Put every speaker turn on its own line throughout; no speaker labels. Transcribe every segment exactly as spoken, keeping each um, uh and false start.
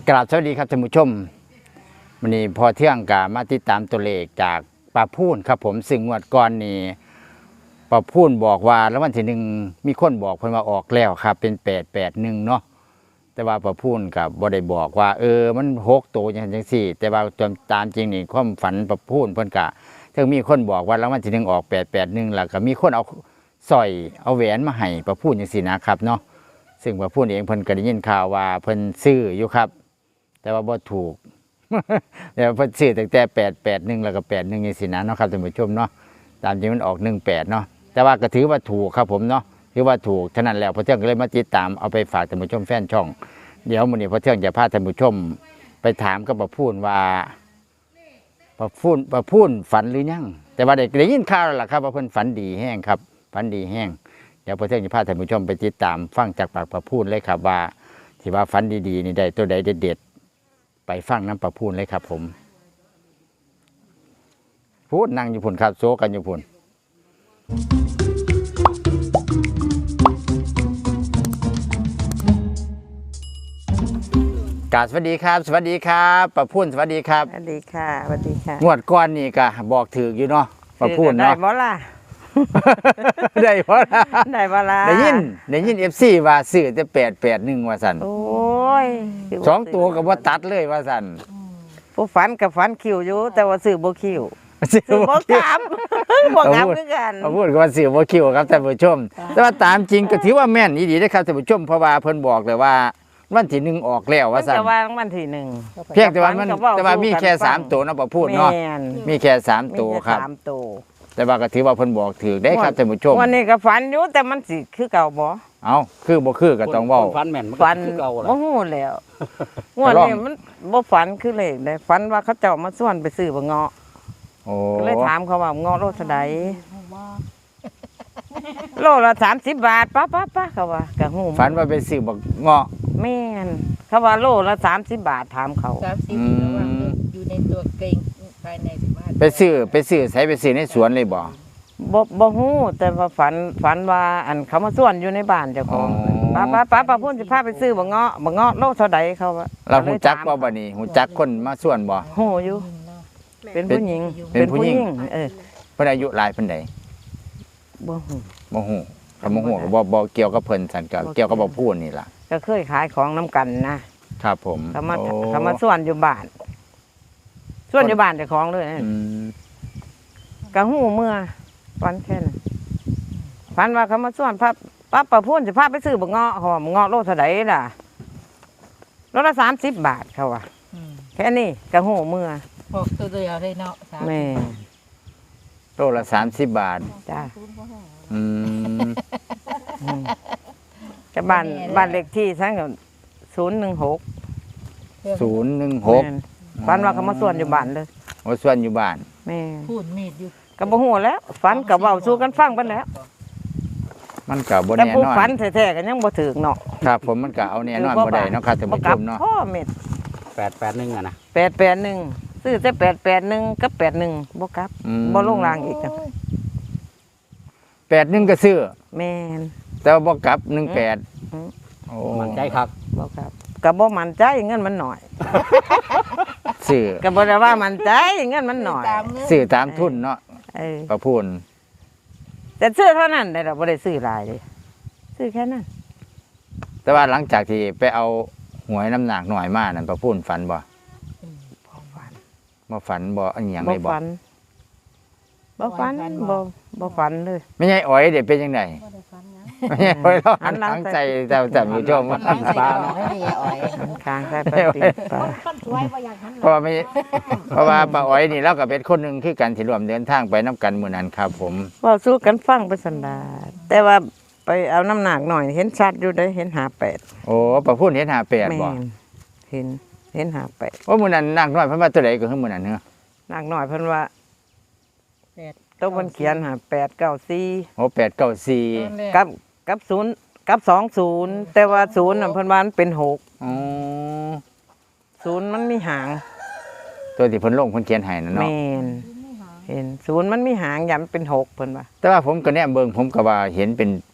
กราบสวัสดีครับท่านผู้ชมวันนี้พอเที่ยงกามาติดตามตัวเลขจากป้าพูนครับผมซึ่งงวดก่อนนี้ป้าพูนบอกว่าแล้ววันที่หนึ่งมีคนบอกเพิ่นว่าออกแล้วครับเป็นแปดแปดหนึ่งเนาะแต่ว่าป้าพูนกับบ่ได้บอกว่าเออมันหกตัวอย่างจังซี่แต่ว่าตามจริงนี่ความฝันป้าพูนเพิ่นกะถึงมีคนบอกว่าแล้ววันที่หนึ่งออกแปดแปดหนึ่งแล้วก็มีคนเอาสร้อยเอาแหวนมาให้ป้าพูนจังซี่นะครับเนาะซึ่งป้าพูนเองเพิ่นก็ได้ยินข่าวว่าเพิ่นซื้ออยู่ครับแต่ว่าบ่ถูก เดี๋ยวเพิ่นซื้อตั้งแต่แปดแปดหนึ่งแล้วก็แปดหนึ่งอย่างสินะเนาะครับท่านผู้ชมเนาะตามจริงมันออกหนึ่งแปดเนาะแต่ว่าก็ถือว่าถูกครับผมเนาะถือว่าถูกฉะนั้นแล้วพอเที่ยงก็เลยมาติดตามเอาไปฝากท่านผู้ชมแฟนช่องเดี๋ยวมื้อนี้พอเที่ยงจะพาท่านผู้ชมไปถามกับป้าพูนว่าป้าพูนป้าพูนฝันหรือยังแต่ว่าได้ได้ยินข่าวแล้วล่ะครับว่าเพิ่นฝันดีแห้งครับฝันดีแห้งเดี๋ยวพอเที่ยงจะพาท่านผู้ชมไปติดตามฟังจากปากป้าพูนเลยครับว่าที่ว่าฝันดีๆนี่ได้ตัวใดเด็ดๆไปฟังน้ำป้าพูนเลยครับผมพูดนั่งอยู่พุ่นครับโซกันอยู่พุ่นกราบสวัสดีครับสวัสดีครับป้าพูนสวัสดีครับ
สวัสดีค่ะสวัสดีค่ะ
งวดก้อนนี่ก็บอกถืออยู่เนาะป้าพูน
ได้
เนาะ
บ่ล่ะ
ได้เพราะ
ได้บ่ล่ะ
ได้ยินได้ยินเอฟซีว่าซื้อแต่แปดแปดหนึ่งว่าสัน
โอ้ย
สองตัวกับว่าตัดเลยว่าสัน
ผู้ฝันกับฝันคิวอยู่แต่ว่าซื้อบ่คิวซื้อบ่กลับ บ่กลับคือกัน
ป้าพูนก็ว่าซื้อบ่คิวครับท่านผู้ชม แต่ว่าตามจริงก็ถือว่าแม่นดีๆนะครับท่านผู้ชมเพราะว่าเพิ่นบอกเลยว่าวันที่หนึ่งออกแล้ว
มั
ว่าน สัน
จะวางวันที่หนึ่ง
เพียงแต่ว่ามัน
ก็เว้า
แต่ว่ามีแค่
สู่กัน
สามตัวเนาะป้าพูนเนาะ
แม่น
มีแค่สาม
มี
ตัว
แค่
ครับ
สามตัว
แต่ว่าก็ถือว่าเพิ่นบอกถือได้ครับท่านผู้ชม
วันนี้ก็ฝันอยู่แต่มันสิคือเก่าบ่
เอาคือบ่คือก็ต้องเว้า
คนฟันแม่นมันก็
ฝัน
คือเก่าแหละ
บ่ฮู้แล้วงวดนี้มันบ่ฝันคือเลขได้ฝันว่าเขาเจ้ามาส่วนไปซื้อบ่เงาะ
โอ้
ก็เลยถามเขาว่าเงาะโลเท่าใดโลละสามสิบบาทป้าป้าป้าเขาว่ากะหู
ฝันว่าไปซื้อบักเงาะ
แม่นเขาว่าโลละสามสิบบาทถามเขา
สามสิบ
อืม
ระหว่างอยู่ในตัวเกรงภายในสิบห้า
ไปซื้อไปซื้อใส่ไปซื้อในสวนเลยบ่
บ่บ่ฮู้แต่ว่าฝันฝันว่าอันเขามาส่วนอยู่ในบ้านเจ้าของ
อ๋อ
ป้าป้าป้าป้าพูดสิพาไปซื้อบ่เงาะบ่เงาะโลเท่าใดเขาว่า
เราหูจักบ่
บ่
บัดนี้หูจักคนมาส่วนบ่
ฮู้อยู่เป็นผู้หญิง
เป็นผู้หญิง
เออ
เพิ่นอายุหลายเพิ่นใด
บ่ฮู้
บ่ฮู้ก็บ่ฮู้ก็บ่บ่เกี่ยวกับเพิ่นซั่นก็
บ่เกี่
เกี่ย
ยว ว
กับบ่พูดนี่ล่ะ
ก็เคยขายของน้ำกันนะครับ
ผม
เขามา
โอ้
เขามาส่วนอยู่บ้านส่วนอยู่บ้านเจ้าของเลยนะ
อืม
กะหูเมื่อฝันแค่นั้นฝันว่าเขามาส่วนพระป้าประพูนจะพาไปซื้อบักเงาะหอมเงาะโลเท่าไดล่ะโลละสามสิบบาทเขาว่า
อืม
แค่นี้กะหูเมื่อ
บอกตัวเดียวเลยเนาะสาม
แม่
โลละสามสิบบาท
จ้า
อืม
จะบ้านบ้านเลขที่ทั้งศูนย์หนึ่งหก
ศูนย์หนึ่งหก
ฝันว่าเขามาส่วนอยู่บ้านเลย
โอ้ส่วนอยู่บ้าน
แม่
พูดมีดอยู่
ก็บ่ฮู้แล้วฝันกับเว้าสู้กันฟังไปแล้ว
มันก็บ่
แต่
แน่
ผู้
นอน
ฝันแท้ๆก็ยังบ่ถึกเนาะ
ครับผมมันก็เอาแน่นอนบ่ได้เนาะครับท่าน
บ่
ผู้
ก
ช
ลับ
มเนาะ
พ่อเม็ด
แปดแปดหนึ่งอะนะ
แปดแปดหนึ่งซื้อแต่แปดแปดหนึ่งกับแปดหนึ่งบ่กลับ
อืม
บ่ลงรางอีกนะ
แปดหนึ่งก็ซื้อ
แม่น
แต่ว่าบ่กลับหนึ่งแปด
อืม
โอ้
มันใจครับ
บ่กลับก็บ่มั่นใจเงินมันหน่อย
ซื้อ
ก็บ่ได้ว่ามั่นใจเงินมันหน่อย
ตามเนื้อ
ซื้อตามทุนเนาะ
เออ
ป้าพูน
แต่ซื้อเท่านั้นได้ดอกบ่ได้ซื้อหลายเลยซื้อแค่นั้น
แต่ว่าหลังจากที่ไปเอาหวยน้ำหนักหน่อยมานั่นป้าพูนฝันบ่
บ่ฝัน
บ่ฝันบ่อันหยัง
บ่
เลยบ่
ฝันบ่ฝันบ่บ่ฝันเลย
ไม่ใช่อ๋อยเด็ดเป็นยังไง
บ่ได้ฟันนะ
ไม่ใช่อ๋อยเรา
หั
หัน
นหลั
ห
ง
ลัง
ใส่
ใจแต่แต่ผู้ชม
ฟันล้างใส่กระบอกให้ยายอ๋อย
ข้างใส่ไปปิดปลา
ฟันสวยบ่อยากหันห
เพราะว่าไม่เพราะว่าป้าอ๋อยนี่เราก็เป็นคนหนึ่งคือกันที่ร่วมเดินทางไปน้ำกันมื้อนั้นครับผม
เว้าสู้กันฟังไปสันดาแต่ว่าไปเอาน้ำหนักหน่อยเห็นชัดอยู่ได้เห็นหาแปด
โอ้ป้าพูนเห็นหาแปด
แม่
บ่
นเห็นเห็นหาแปด
ว่ามื้อนั้นนักน้อยเพิ่นว่าตัวใดก็คือมื้อนั้นเนาะ
หนักหน่อยเพิ่นว่า
แปด
ต้องเพิ่นเขียนหาแปดเก้าสี่
โอ้แปดเก้าสี่
ตอนแรก
กับกับศูนย์กับสองศูนย์แต่ว่าศูนย์น่ะเพิ่นว่ามันเป็นหก
อ๋อ
ศูนย์มันมีหาง
ตัวที่เพิ่นลงเพิ่นเขียนให้นั่น
แม
เนาะ
นเห็นศูนย์มันมีหางยำเป็นหกเพิ่นว่า
แต่ว่าผมก็แนมเบิ่งผมก็ว่าเห็นเป็น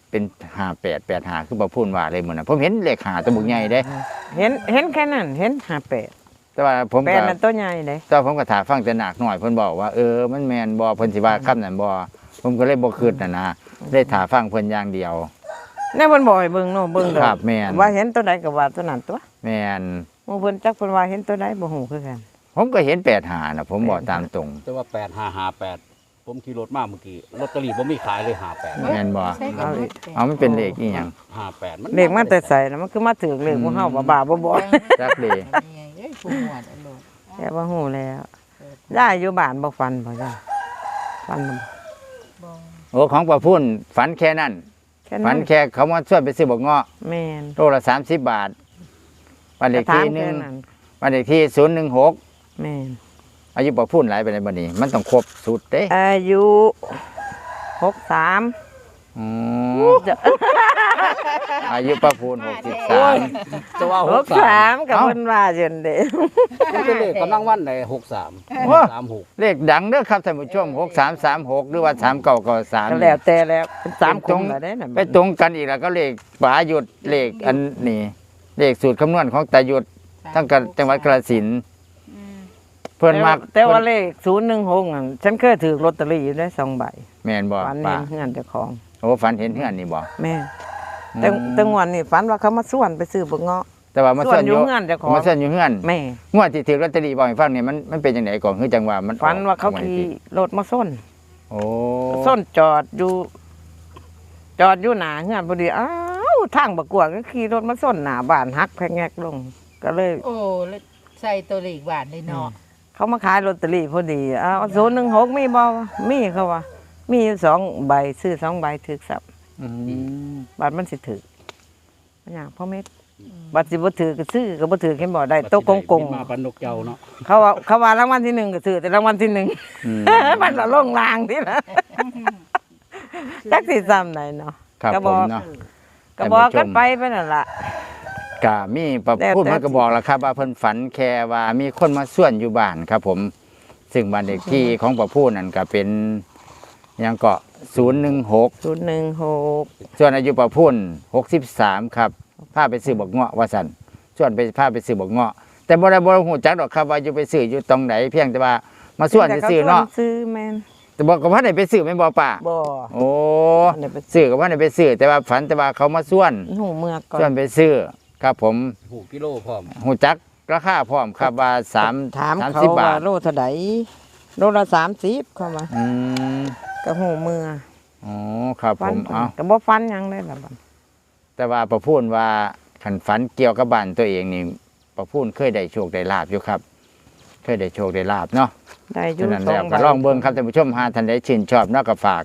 เป็นห้าแปดแปดห้าคือประพูนว่าเลยมื้อนั้นผมเห็นเลขห้าตัวบุกใหญ่เด้
เห็นเห็นแค่นั้นเห็นห้าแปด
แต่ว่าผม
แป
ก็
ดนั่นตัวใหญ่เด้
แต่ผมก็ถามฟังแต่หนักหน่อยเพิ่นบอกว่าเออมันแม่นบ่เพิ่นสิว่าคำนั้นบ่ผมก็เลยบ่คิดน่ะนะได้ถามฟังเพิ่นอย่างเดียว
แน่เพิ่นบอกให้เบิ่งเนาะเบิ่งดอก
ครับแม่น
ว่าเห็นตัวใดก็ว่าตัวนั้นตัว
แม่น
หมู่เพิ่นจักเพิ่นว่าเห็นตัวใดบ่ฮู้คือกัน
ผมก็เห็นแปดห้าน่ะผมบอกตามตรง
แต่ว่าแปดห้าห้าแปดผมขี่รถมาเมื่อกี้ลอตเตอรี่ผมมีขายเลยห้าแปด
แม่นบ่
ใช่กันหมด
เอามันเป็นเลขอีหยัง
ห้าแปดมัน
เลขมันแต่ใส่นะมันคือมาถึงเลขบ่เฮาบ่บ้าบ่บ่
จักเลข
นี่ไงเอ้ยผู้หมวดอันโลด
แค่บ่ฮู้แล้วย่าอยู่บ้านบ่ฟันบ่ย่าฟันบ่
บ่
โอ้ของประพูนฝันแค่นั้น
แค่
ฝั
นั้น น
แค่เขามาชวนไปซื้อบักเงาะ
แม่น
โลละสามสิบบาทบ้านเลขที่หนึ่ง
ถามแค่นั้น
บ้านเลขที่ศูนย์หนึ่งหก
แม่น
อายุประพูนหลายไปในบัดนี้ มันต้องครบสุดเด้
อายุหกสาม
อืม
จะ
อายุประพูนหกสิบสาม
จะว่า
ห
ห
ก
ก
สา
สาม
มกับ
เอ้า
เพิ่นว่าจนเด้
มันเป็นเลขกำลังวันไหนหกสามสามหก
เลขดังเด้อครับท่านผู้ชมหกสามสามหกหรือว่าสามเก้าเก้าสาม
ก็แล้วแต่แล้วเป็นสาม
เป็น
ค
ตรง
นแล้วเด้น่ะ
ไปตรงกันอีกแล้วก็เลขป๋าหยุดเลขอันนี้เลขสูตรคำนวณของตาหยุดทั้งกันจังหวัดกระสินธุ์เพิ่นมาก
แต่ว่าเลขศูนย์หนึ่งหกนั่นฉันเคยถือลอตเตอรี่อยู่ได้สองใบ
แม่นบ่
ฝัน
ป้า
เห็นเฮือนเจ้าของ
โอ้ฝันเห็นเฮือนนี่บ่
แม่แต่แต่งวันนี่ฝันว่าเขามาส่วนไปซื้อบักเงาะ
แต่ว่ามา
ส่
ส่
ว
วน น
อ
อยู่ ยู่
เฮือนเจ้าของ
มาส่วนอยู่เฮือน
แม่
งวดที่ถือลอตเตอรี่บ่ให้ฟังนี่มันมันเป็นจังไดก่อนคือจังว่ามันออก
ฝันว่าเขา
งด
ขี่
ที่
รถมาส้น
โอ้
ส้นจอดอยู่ จอดอยู่หน้าเฮือนพอดีอ้าวทางบักกวางก็ขี่รถมาส้นหน้าบ้านหักแพงแงกลง ก็เลย
โอ้แล้วใส่ตัวเลขบาทเลยเนาะ
เขามาขายลอตเตอรี่พอดีอ้าวศูนย์หนึ่งหกมีบ่วะมีเขาว่า มีอยู่สองใบซื้อสองใบถือสับ
อืม
บัตรมันสิถือมันอย่างพ่อเม็ดบัตรสิบ่ถือก็ซื้อก็บ่ถือเห็นบ่ได้โต๊ะกงกง
มาปันนกเจ้าเนาะ
เขาว่าเขาว่ารางวัลที่หนึ่งก็ซื้อแต่รางวัลที่หนึ่ง
อืม
มันละลงลางที่ละจักสิซ้ำไหนเนาะ
ครับ
ก็
ผ
บอ
ม
ก
เนาะ
ก็บอกกันไปไปนั่นล่ะ
ก็มีประ
แล้ว
พูด
แต่
มันก็บอกแล้วครับว่าเพิ่นฝันแค่ว่ามีคนมาส่วนอยู่บ้านครับผม ซึ่งบ้านเลขที่ของประพูดนั่นก็เป็นหยังเกาะศูนย์หนึ่งหก
ศูนย์หนึ่งหก
ส่วนอายุประพูนหกสิบสามครับพาไปซื้อบักเงาะว่าสันส่วนไปพาไปซื้อบักเงาะ แต่บ่ได้บ่ฮู้จักดอกครับว่าอยู่ไปซื้ออยู่ตรงไหนเพียงแต่ว่ามาส่วนซื้อเนาะ
ซื้อแมน
แต่บอกกับว่าได้ไปซื้อแม่นบ่ป้า
บ่
โอ้
อันนี้ไป
ซื้อกับว่าได้ไปซื้อแต่ว่าฝันแต่ว่าเขามาส่วน
หูเมือกก่อ
ส่วน
น
ไปซื้อครับผม
หูกิโลพร้อม
ฮู้จักราคาพร้อมครับว่าสาม
ถาม
สาม
เขา
สิบบา
ว่า
ท
โลเท่าใดโลละสามสิบเข้ามา
อืม
ก็หูเมือ
อ๋อครับผ
ฟัน
มเอา
ก็บ่ฟันหยังได้ล่ะบัด
แต่ว่าประพูนว่าขันฝันเกี่ยวกับบ้านตัวเองนี่ประพูนเคยได้โชคได้ลาบอยู่ครับ เคยได้โชคได้ลาบเนาะ
ได้อ
ฉะ
ยู่
นั้น
สอ
แล้ว
ง
ก็ลองเบิ่งครับท่านผู้ชมหาท่านใดชื่นชอบเนาะก็ฝาก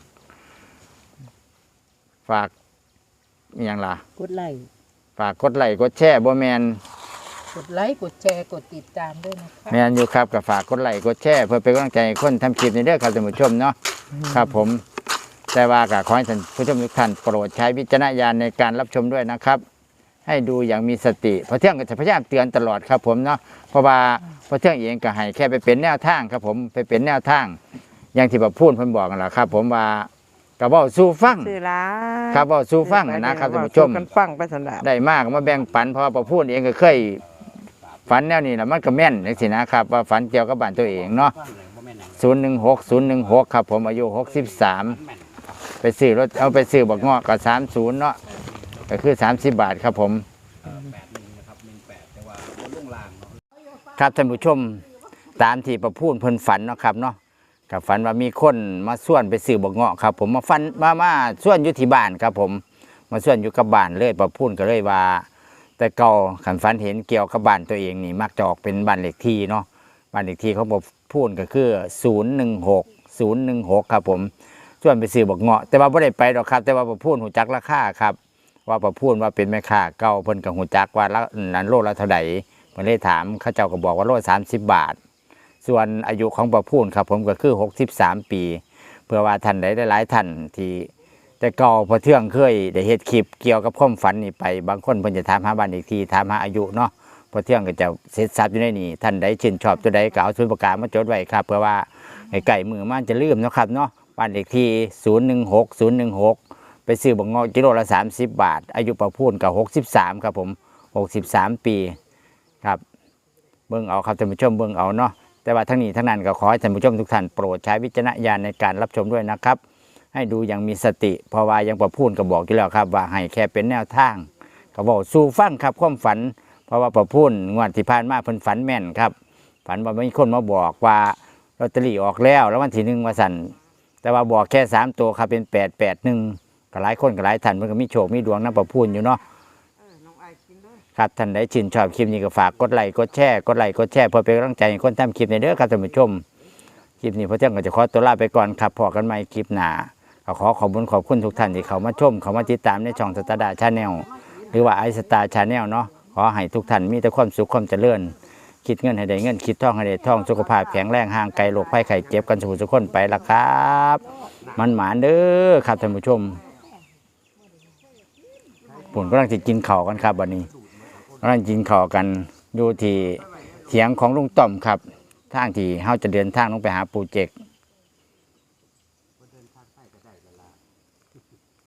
ฝากอหย่างล่ะ
กดไลค์
ฝากกดไลค์กดแชร์บ่แมน
กดไลค์กดแชร์กดติดตามด้วยนะคะ
แมนอยู่ครับก็ฝากกดไลค์กดแชร์เพื่อเป็นกำลังใจให้คนทำคลิปในเด้อครับท่านผู้ชมเนาะครับผม แต่ว่าก็ขอให้ท่านผู้ชมทุกท่านโปรดใช้วิจารณญาณในการรับชมด้วยนะครับ ให้ดูอย่างมีสติเพราะเที่ยงก็จะพยายามเตือนตลอดครับผมเนาะเพราะว่าเพราะเที่ยงเองก็ให้แค่ไปเป็นแนวทางครับผมไปเป็นแนวทาง อย่างที่ผมพูดผมบอกกันแหละครับ ผมว่ากระบอกสู้ฟัง
ซื้อหลาย
ครับเว้าสู่ฟังนะครับท่านผู้ชม
สู้กันฟังไปซั่นล่ะ
ได้มากมาแบ่งปันเพราะว่าผมพูดเองก็เคยฝันแนวนี้แหละมันก็แม่นจังซี่นะครับว่าฝันเกี่ยวกับบ้านตัวเองเนาะ
ฟังเลยบ่แม่นหยัง
ศูนย์หนึ่งหกศูนย์หนึ่งหกครับผมอายุหกสิบสาม
แม่น
ไปซื้อรถเอาไปซื้อบักเงาะก็สามศูนย์เนาะก็คือสามสิบบาทครับผม
แปดหนึ่งนะครับหนึ่งแปดแต่ว่าบนล่วงลางเนาะ
ครับท่านผู้ชมตามที่ประพูนเพิ่นฝันเนาะครับเนาะกับฝันว่ามีคนมาส่วนไปซื้อบักเงาะครับ ผมมาฟันมามาส่วนอยู่ที่บ้านครับผมมาส่วนอยู่กับบ้านเลยประพูนก็เลยว่า แต่เก่าขันฝันเห็นเกี่ยวกับบ้านตัวเองนี่มักจะออกเป็นบ้านเลขที่เนาะบ้านเลขที่เขาบอกพูดก็คือศูนย์หนึ่งหกศูนย์หนึ่งหกครับผมส่วนไปซื้อบักเงาะแต่ว่าไม่ได้ไปหรอกครับ แต่ว่าประพูนหูจักราคาครับ ว่าประพูนว่าเป็นแม่ค้าเก่าเพิ่นกับหูจักว่าละนั้นโลละเท่าไหร่เพิ่นเลยถามเขาเจ้าก็บอกว่าโลสามสิบบาท ส่วนอายุของประพูนครับผมก็คือหกสิบสามปี เพื่อว่าท่านใดได้หลายท่านที่แต่เก่าพอเที่ยงเคยได้เฮ็ดคลิปเกี่ยวกับความฝันนี่ไปบางคนเพิ่นจะถามหาบ้านอีกทีถามหาอายุเนาะพอเที่ยงก็จะเสร็จสับอยู่ในนี้ท่านใดชื่นชอบตัวใดก็เอาสมุดปากกามาจดไว้ครับเพื่อว่าไอ้ไก่มือมันจะลืมเนาะครับเนาะบ้านเลขที่ศูนย์หนึ่งหกศูนย์หนึ่งหกไปซื้อบักเงาะกิโลละสามสิบบาท อายุประพูนกับหกสิบสามครับผมหกสิบสามปีครับเบิ่งเอาครับท่านผู้ชมเบิ่งเอาเนาะแต่ว่าทั้งนี้ทั้งนั้นก็ขอให้ท่านผู้ชมทุกท่านโปรดใช้วิจารณญาณในการรับชมด้วยนะครับให้ดูอย่างมีสติเพราะว่ายังประพูนก็บอกอยู่แล้วครับว่าให้แค่เป็นแนวทางก็บอกสู่ฟังครับความฝันเพราะว่าประพูนงวดที่ผ่านมาเพิ่นฝันแม่นครับฝันว่ามีคนมาบอกว่าลอตเตอรี่ออกแล้วแล้ววันที่หนึ่งว่าสั่นแต่ว่าบอกแค่สามตัวครับเป็นแปดแปดหนึ่งก็หลายคนก็หลายท่านมันก็มีโชคมีดวงน้ำประพูนอยู่เนาะครับท่านใดชื่นชอบคลิปนี้ก็ฝากกดไลค์กดแชร์กดไลค์กดแชร์เพื่อเป็นกำลังใจให้คนทำคลิปในเด้อครับท่านผู้ชมคลิปนี้พระเจ้าก็จะขอตัวลาไปก่อนครับพอกันใหม่คลิปหน้าก็ขอขอบคุณขอบคุณทุกท่านที่เขามาชมเขามาติดตามในช่องสตาร์ดาชาแนลหรือว่าไอสตาร์ชาแนลเนาะขอให้ทุกท่านมีแต่ความสุขความเจริญคิดเงินให้ได้เงินคิดทองให้ได้ทองสุขภาพแข็งแรงห่างไกลโรคภัยไข้เจ็บกันสุขสุขคนไปละครับมันหมานเด้อครับท่านผู้ชมผมกำลังจะกินข้าวกันครับวันนี้กำลังกินข้าวกันอยู่ที่เถียงของลุงต่อมครับทางที่เฮาจะเดินทางลงไปหาปูเจก